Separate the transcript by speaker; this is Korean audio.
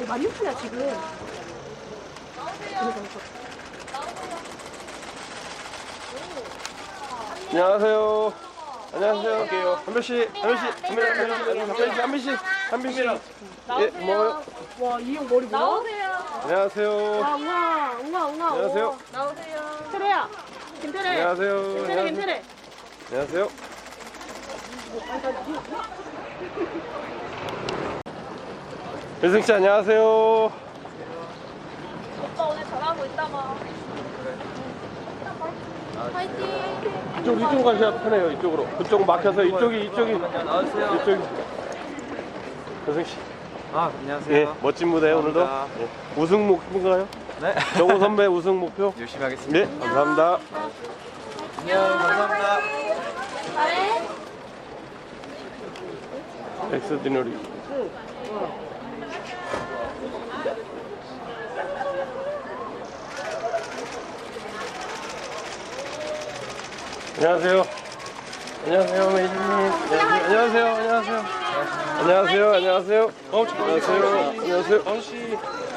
Speaker 1: 16,000이야 지금.
Speaker 2: 안녕하세요. 안녕하세요. 한별씨, 한별씨. 예, 고마워요.
Speaker 1: 와, 이 형 머리 뭐야?
Speaker 3: 나오세요.
Speaker 2: 안녕하세요.
Speaker 1: 와, 웅아.
Speaker 2: 안녕하세요.
Speaker 3: 나오세요.
Speaker 1: 테레야. 김테레.
Speaker 2: 안녕하세요.
Speaker 1: 김테레.
Speaker 2: 안녕하세요. 일승씨 안녕하세요.
Speaker 3: 오빠 오늘 잘하고 있다가. 화이팅.
Speaker 2: 이쪽으로 가셔야 편해요. 이쪽으로. 그쪽 막혀서 이쪽이.
Speaker 4: 나와주세요.
Speaker 2: 이쪽이. 일승씨.
Speaker 4: 아, 안녕하세요.
Speaker 2: 예, 멋진 무대 오늘도.
Speaker 4: 감사합니다.
Speaker 2: 예. 우승 목표인가요?
Speaker 4: 네.
Speaker 2: 정우 선배 우승 목표?
Speaker 4: 열심히 하겠습니다.
Speaker 2: 네, 감사합니다.
Speaker 4: 안녕, 감사합니다.
Speaker 3: 잘해.
Speaker 2: 엑스디너리. 안녕하세요. 안녕하세요, 메이저님. 안녕하세요. 안녕하세요. 안녕하세요. 안녕하세요. 안녕하세요. 안녕하세요.